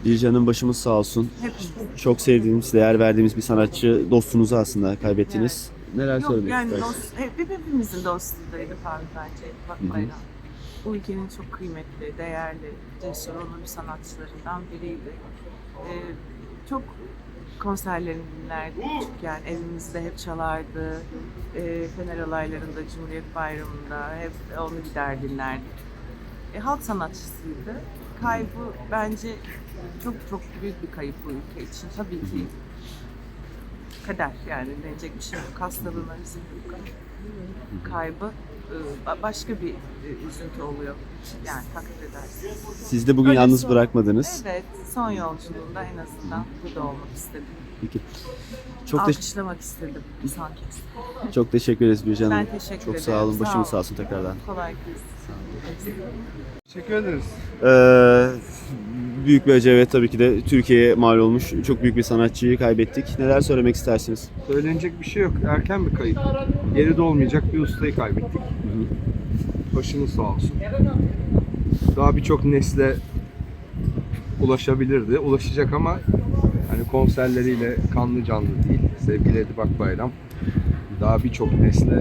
Bircan'ın başımız sağ olsun. Hepimiz. Çok sevdiğimiz, değer verdiğimiz bir sanatçı, dostunuzu aslında kaybettiniz. Neler Yok söylemek yani istersiniz? hepimizin dostluğundaydı Faruk bence. Bak Hı hı. Bayram. Bu ülkenin çok kıymetli, değerli, cesur, onurlu sanatçılarından biriydi. Çok konserlerini dinlerdik küçükken. Evimizde hep çalardı. Fener olaylarında, Cumhuriyet Bayramı'nda hep onu gider dinlerdik. Halk sanatçısıydı. Kaybı bence çok çok büyük bir kayıp bu ülke için. Tabii ki kader, yani denecek bir şey yok. Hastalığına üzüldük. Kaybı başka bir üzüntü oluyor. Yani takdir edersiniz. Siz de bugün Öyle yalnız son- bırakmadınız. Evet, son yolculuğunda en azından burada olmak istedim. Peki. Çok, Alkışlamak istedim son kez. çok teşekkür ederiz Bircan Hanım. Ben teşekkür Çok ederim. sağ olun. Başımız Sağ sağ olsun tekrardan. Kolay gelsin. Teşekkür ederiz. Büyük bir acı, evet, tabii ki de Türkiye'ye mal olmuş. Çok büyük bir sanatçıyı kaybettik. Neler söylemek istersiniz? Söylenecek bir şey yok. Erken bir kayıp. Geride olmayacak bir ustayı kaybettik. Başınız sağ olsun. Daha birçok nesle ulaşabilirdi. Ulaşacak ama hani konserleriyle kanlı canlı değil. Sevgili Edip Akbayram daha birçok nesle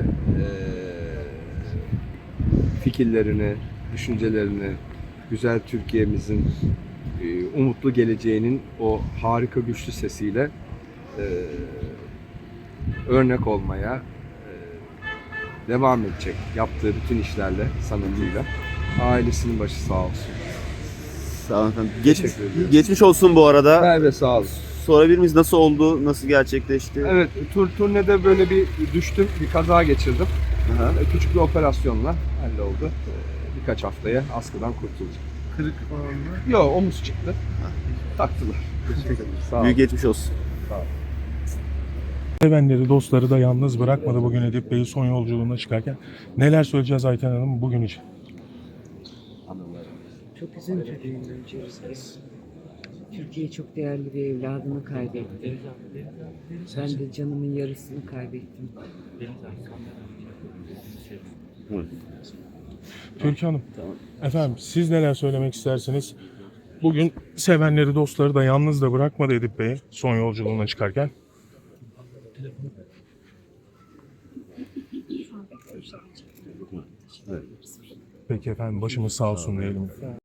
fikirlerini, düşüncelerini, güzel Türkiye'mizin umutlu geleceğinin o harika güçlü sesiyle örnek olmaya devam edecek yaptığı bütün işlerle, sanatıyla. Ailesinin başı sağ olsun. Sağ olun efendim. Teşekkür ediyorum. Geçmiş olsun bu arada. Merve sağ olsun. Sorabilir miyiz, nasıl oldu? Nasıl gerçekleşti? Evet, turnede böyle bir düştüm, bir kaza geçirdim. Aha. Küçük bir operasyonla halloldu. Birkaç haftaya askıdan kurtuldum. Kırık falan mı? Yok, omuz çıktı. Taktılar. Sağ olun. Büyük geçmiş olsun. Sevenleri, dostları da yalnız bırakmadı bugün Edip Bey'i son yolculuğuna çıkarken. Neler söyleyeceğiz Ayten Hanım bugün için? Çok üzüntülüyüm öncelikle. Türkiye çok değerli bir evladını kaybetti. Ben de canımın yarısını kaybettim. Türkiye Hanım, efendim siz neler söylemek istersiniz? Bugün sevenleri, dostları da yalnız da bırakmadı Edip Bey'i son yolculuğuna çıkarken. Peki efendim, başımız sağ olsun diyelim.